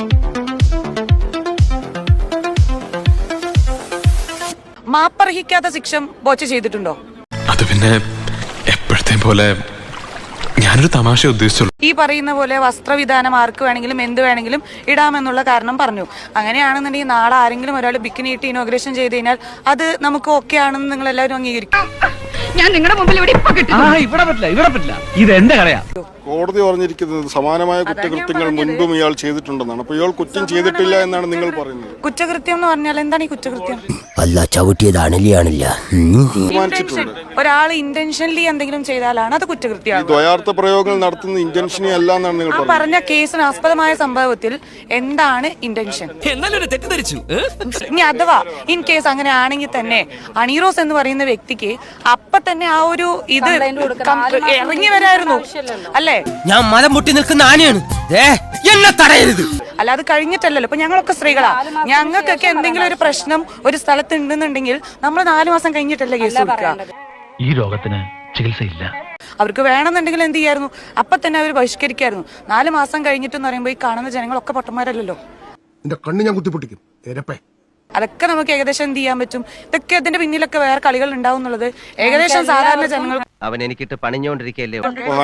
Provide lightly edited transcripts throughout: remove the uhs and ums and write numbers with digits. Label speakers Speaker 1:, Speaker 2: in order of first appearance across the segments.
Speaker 1: മാപ്പർഹിക്കാത്ത ശിക്ഷ ബോച്ച ചെയ്തിട്ടുണ്ടോ?
Speaker 2: അത് പിന്നെ എപ്പോഴത്തെ പോലെ ഞാനൊരു തമാശ ഉദ്ദേശിച്ചുള്ളൂ.
Speaker 1: ഈ പറയുന്ന പോലെ വസ്ത്രവിധാനം ആർക്ക് വേണമെങ്കിലും എന്ത് വേണമെങ്കിലും ഇടാമെന്നുള്ള കാരണം പറഞ്ഞു. അങ്ങനെയാണെന്നുണ്ടെങ്കിൽ നാളെ ആരെങ്കിലും ഒരാൾ ബിക്കിനി ഇട്ട് ഇനോഗ്രേഷൻ ചെയ്ത് കഴിഞ്ഞാൽ അത് നമുക്ക് ഓക്കെ ആണെന്ന് നിങ്ങൾ എല്ലാവരും അംഗീകരിക്കും. ഞാൻ നിങ്ങളുടെ മുമ്പിൽ ഇവിടെ
Speaker 3: പറ്റില്ല. ഇത് എന്റെ കടയാ.
Speaker 4: കോടതി പറഞ്ഞിരിക്കുന്നത് സമാനമായ കുറ്റകൃത്യങ്ങൾ മുൻപും ഇയാൾ ചെയ്തിട്ടുണ്ടെന്നാണ്. അപ്പൊ ഇയാൾ കുറ്റം ചെയ്തിട്ടില്ല എന്നാണ് നിങ്ങൾ പറയുന്നത്.
Speaker 1: കുറ്റകൃത്യം എന്ന് പറഞ്ഞാൽ എന്താണ് ഈ കുറ്റകൃത്യം?
Speaker 5: അല്ല ചവിട്ടിയതാണില്ല.
Speaker 1: ഒരാൾ ഇന്റൻഷനലി എന്തെങ്കിലും ചെയ്താലാണ് അത് കുറ്റകൃത്യമാണ്.
Speaker 4: ദ്വയാർത്ഥ പ്രയോഗങ്ങൾ നടത്തുന്ന ഇന്റൻഷനി അല്ല എന്നാണ് നിങ്ങൾ
Speaker 1: പറഞ്ഞ കേസിന് ആസ്പദമായ സംഭവത്തിൽ എന്താണ് ഇന്റൻഷൻ? ഇനി അഥവാ ഇൻ കേസ് അങ്ങനെ ആണെങ്കിൽ തന്നെ അണീറോസ് എന്ന് പറയുന്ന വ്യക്തിക്ക് അപ്പൊ തന്നെ ആ ഒരു ഇത് ഇറങ്ങി വരായിരുന്നു അല്ലേ?
Speaker 5: ഞാൻ മലം മുട്ടി നിൽക്കുന്ന ആനയാണ്, എന്നെ തടയരുത്.
Speaker 1: അല്ല, അത് കഴിഞ്ഞിട്ടല്ലല്ലോ. ഇപ്പൊ ഞങ്ങളൊക്കെ സ്ത്രീകളാ, ഞങ്ങൾക്കൊക്കെ എന്തെങ്കിലും ഒരു പ്രശ്നം ഒരു സ്ഥലത്ത് ഉണ്ടെന്നുണ്ടെങ്കിൽ നമ്മൾ 4 മാസം കഴിഞ്ഞിട്ടല്ലേ കേസ് കൊടുക്കുക.
Speaker 3: ഈ രോഗത്തിന് ചികിത്സയില്ല.
Speaker 1: അവർക്ക് വേണമെന്നുണ്ടെങ്കിൽ എന്ത് ചെയ്യായിരുന്നു? അപ്പൊ തന്നെ അവർ ബഹിഷ്കരിക്കായിരുന്നു. 4 മാസം കഴിഞ്ഞിട്ടെന്ന് പറയുമ്പോ ഈ കാണുന്ന ജനങ്ങളൊക്കെ പൊട്ടന്മാരല്ലോ.
Speaker 6: എന്റെ കണ്ണ് ഞാൻ കുത്തിപ്പൊട്ടിക്കും.
Speaker 1: അതൊക്കെ നമുക്ക് ഏകദേശം എന്ത് ചെയ്യാൻ പറ്റും? ഇതൊക്കെ അതിന്റെ പിന്നിലൊക്കെ വേറെ കളികൾ ഉണ്ടാവും എന്നുള്ളത് ഏകദേശം സാധാരണ ജനങ്ങൾ.
Speaker 5: അവൻ എനിക്കിട്ട് പണിഞ്ഞോണ്ടിരിക്കല്ലേ.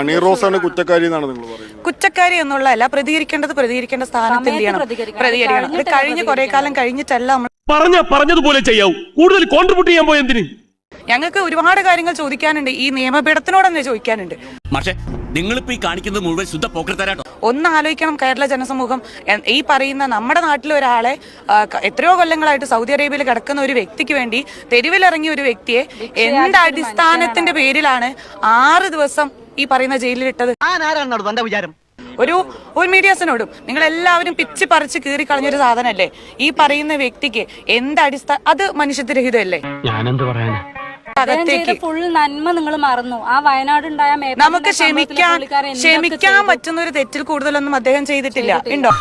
Speaker 1: കുറ്റക്കാരി എന്നുള്ളതല്ല, പ്രതികരിക്കേണ്ട സ്ഥാനത്ത് എന്ത് ചെയ്യണം? പ്രതികരിക്കണം. അത് കഴിഞ്ഞ് കുറെ കാലം കഴിഞ്ഞിട്ടല്ല നമ്മൾ
Speaker 3: പറഞ്ഞതുപോലെ ചെയ്യാവൂ. കൂടുതൽ കോൺട്രിബ്യൂട്ട് ചെയ്യാൻ പോയെന്തിന്?
Speaker 1: ഞങ്ങൾക്ക് ഒരുപാട് കാര്യങ്ങൾ ചോദിക്കാനുണ്ട്. ഈ നിയമപീഠത്തിനോട് തന്നെ ചോദിക്കാനുണ്ട്.
Speaker 7: നിങ്ങളിപ്പോ ഈ കാണിക്കുന്നത് മുഴുവൻ ശുദ്ധ പോക്കറ്റരാട്ടോ.
Speaker 1: ഒന്ന് ആലോചിക്കണം, കേരള ജനസമൂഹം ഈ പറയുന്ന നമ്മുടെ നാട്ടിലെ ഒരാളെ എത്രയോ കൊല്ലങ്ങളായിട്ട് സൗദി അറേബ്യയിൽ കിടക്കുന്ന ഒരു വ്യക്തിക്ക് വേണ്ടി തെരുവിലിറങ്ങിയ ഒരു വ്യക്തിയെ എന്ത് അടിസ്ഥാനത്തിന്റെ പേരിലാണ് 6 ദിവസം ഈ പറയുന്ന ജയിലിലിട്ടത്? ഒരു മീഡിയാസിനോടും നിങ്ങൾ എല്ലാവരും പിച്ച് പറിച്ച് കീറി കളഞ്ഞൊരു സാധനല്ലേ ഈ പറയുന്ന വ്യക്തിക്ക് എന്ത് അടിസ്ഥാന? അത് മനുഷ്യത്വരഹിതമല്ലേ?
Speaker 3: ഞാനെന്ത് പറയാനാ?
Speaker 8: ഫുൾ നന്മ നിങ്ങൾ മറന്നു. ആ വയനാട് ഉണ്ടായ
Speaker 1: നമുക്ക് ക്ഷമിക്കാൻ പറ്റുന്ന ഒരു തെറ്റിൽ കൂടുതലൊന്നും അദ്ദേഹം ചെയ്തിട്ടില്ല. ഉണ്ടോ?